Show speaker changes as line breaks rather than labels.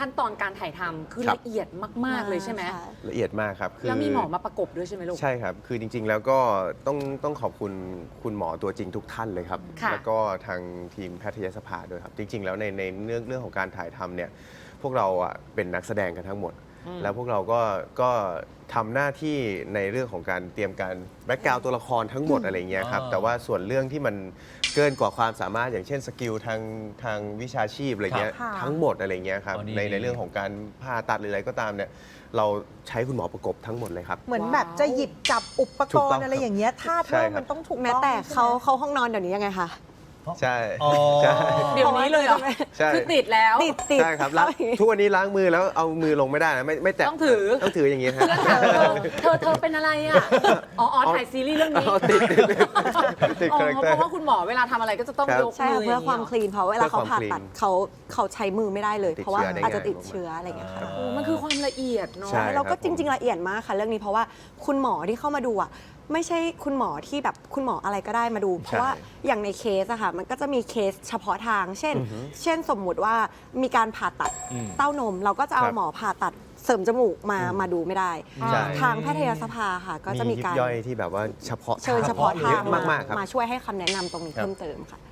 ขั้นตอนการถ่ายทำคือละเอียดมากๆเลยใช่ไหม
ละเอียดมากครับ
แล้วมีหมอมาประกบด้วยใช่ไหมลูก
ใช่ครับคือจริงๆแล้วก็ต้องขอบคุณคุณหมอตัวจริงทุกท่านเลยครับแล้วก็ทางทีมแพทยสภาด้วยครับจริงๆแล้วในเรื่องของการถ่ายทำเนี่ยพวกเราเป็นนักแสดงกันทั้งหมดแล้วพวกเราก็ทำหน้าที่ในเรื่องของการเตรียมการแบ็กกราวด์ตัวละครทั้งหมดอะไรเงี้ยครับแต่ว่าส่วนเรื่องที่มันเกินกว่าความสามารถอย่างเช่นสกิลทางวิชาชีพอะไรเงี้ยทั้งหมดอะไรเงี้ยครับในเรื่องของการผ่าตัดหรืออะไรก็ตามเนี่ยเราใช้คุณหมอประกบทั้งหมดเลยครับ
เหมือนแบบจะหยิบจับอุปกรณ์อะไรอย่างเงี้ยท่าเทิงมันต้องถูกต้อง
แม้แต่เขาห้องนอนเดี๋ยวนี้ยังไงคะ
ใช่
เดี๋ยวนี้เลยเหรอคือติดแล้ว
ติด
ใช่ครับทุกวันนี้ล้างมือแล้วเอามือลงไม่ได้นะไม่แตะต้องถืออย่างนี้ฮะ
เธอเป็นอะไรอ่ะอ๋อถ่ายซีรีส์เรื่องนี้
ติดคาแรคเตอร์
เพราะว่าคุณหมอเวลาทำอะไรก็จะต้องยก
ใช่
มือ
เพื่อความคลีนเพราะเวลาเขาผ่าตัดเขาใช้มือไม่ได้เลย เพราะว่าอาจจะติดเชื้ออะไรอย่างเงี้ยค่ะ
มันคือความละเอียดเนาะ
เราก็จริงๆละเอียดมากค่ะเรื่องนี้เพราะว่าคุณหมอที่เข้ามาดูไม่ใช่คุณหมอที่แบบคุณหมออะไรก็ได้มาดูเพราะว่าอย่างในเคสอะค่ะมันก็จะมีเคสเฉพาะทาง เช่นสมมุติว่ามีการผ่าตัดเต้านมเราก็จะเอาหมอผ่าตัดเสริมจมูกมาดูไม่ได้ทางแพทยสภาค่ะก็จะมีการ
ย่อยที่แบบว่าเฉพาะ
เชิญเฉพาะทาง
มากๆครับ
มาช่วยให้คำแนะนำตรงนี้เพิ่มเติมค่ะ